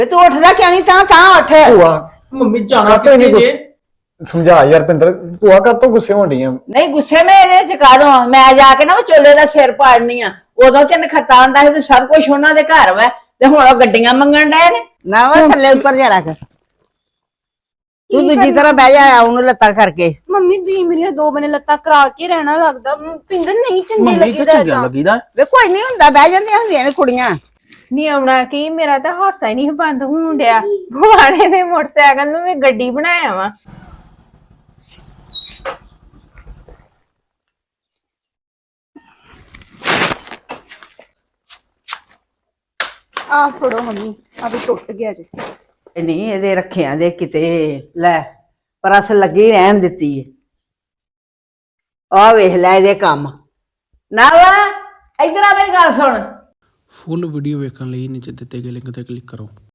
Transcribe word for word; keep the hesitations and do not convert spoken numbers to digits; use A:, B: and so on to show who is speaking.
A: ਤੇ ਤੂੰ ਉੱਠਦਾ ਕਿਉਂ ਨਹੀਂ ਤਾਂ ਤਾਂ ਉੱਠ
B: ਭੂਆ
C: ਮੰਮੀ ਜਾਣਾ
B: ਕਾਤੋਂ
C: ਕਿੱਥੇ
B: ਨਹੀਂ
C: ਜੇ?
B: ਸਮਝਾ ਯਾਰ ਪਿੰਦਰ ਭੂਆ ਕਾਤੋਂ ਗੁੱਸੇ ਹੋਣ ਡੀਆਂ?
A: ਨਹੀਂ ਗੁੱਸੇ ਮੈਂ ਇਹਦੇ ਚ ਕਾਹਦੋਂ ਆ ਮੈਂ ਜਾ ਕੇ ਨਾ ਉਹ ਚੋਲੇ ਦਾ ਸਿਰ ਪਾੜਨੀ ਆ ਉਦੋਂ ਤੇ ਨਖਤਾ ਆਂਦਾ ਸੀ ਵੀ ਸਭ ਕੁਝ ਉਹਨਾਂ ਦੇ ਘਰ ਵਾ ਤੇ ਹੁਣ ਉਹ ਗੱਡੀਆਂ ਮੰਗਣ ਡਏ ਨੇ ਨਾ ਵਾ ਥੱਲੇ ਉੱਤਰ ਜਾ ਰੱਖ ਤੂੰ ਦੂਜੀ ਤਰ੍ਹਾਂ ਬਹਿ ਜਾ ਉਹਨੂੰ ਲੱਤਾਂ ਕਰਕੇ
D: ਮੰਮੀ ਤੁਸੀਂ ਮੇਰੀਆਂ ਦੋ ਬਨੇ ਲੱਤਾਂ ਕਰਾ ਕੇ ਰਹਿਣਾ ਲੱਗਦਾ ਪਿੰਦਰ ਨਹੀਂ ਚੰਗੇ
C: ਮੰਮੀ ਤਾਂ
D: ਲੱਗੀਦਾ
C: ਚੰਗਾ
D: ਏਦਾਂ
C: ਲੱਗੀਦਾ।
A: ਵੇ ਕੋਈ ਨਹੀਂ ਹੁੰਦਾ ਬਹਿ ਜਾਂਦੀਆਂ ਹੁੰਦੀਆਂ ਨੇ ਕੁੜੀਆਂ
D: ਨਹੀਂ ਆਉਣਾ ਕੀ ਮੇਰਾ ਤਾਂ ਹਾਸਾ ਹੀ ਨਹੀਂ ਬੰਦ ਹੋਣ ਡਿਆ ਭਵਾਨੇ ਦੇ ਮੋਟਰਸਾਈਕਲ ਨੂੰ ਮੈਂ ਗੱਡੀ ਬਣਾਇਆ ਵਾ ਆ ਫੜੋ ਮੰਮੀ ਆ ਵੀ ਟੁੱਟ ਗਿਆ ਜੇ
A: ਨਹੀਂ ਇਹਦੇ ਰੱਖਿਆਂ ਦੇ ਕਿਤੇ ਲੈ ਪ੍ਰਸ ਲੱਗੀ ਰਹਿਣ ਦਿੱਤੀ ਏ ਆ ਵੇਖ ਲੈ ਇਹਦੇ ਕੰਮ ਨਾ ਵਾ ਇਧਰ ਆ ਮੇਰੀ ਗੱਲ ਸੁਣ।
E: ਫੁੱਲ ਵੀਡੀਓ ਵੇਖਣ ਲਈ ਨੀਚੇ ਦਿੱਤੇ ਗਏ ਲਿੰਕ ਤੇ ਕਲਿੱਕ ਕਰੋ।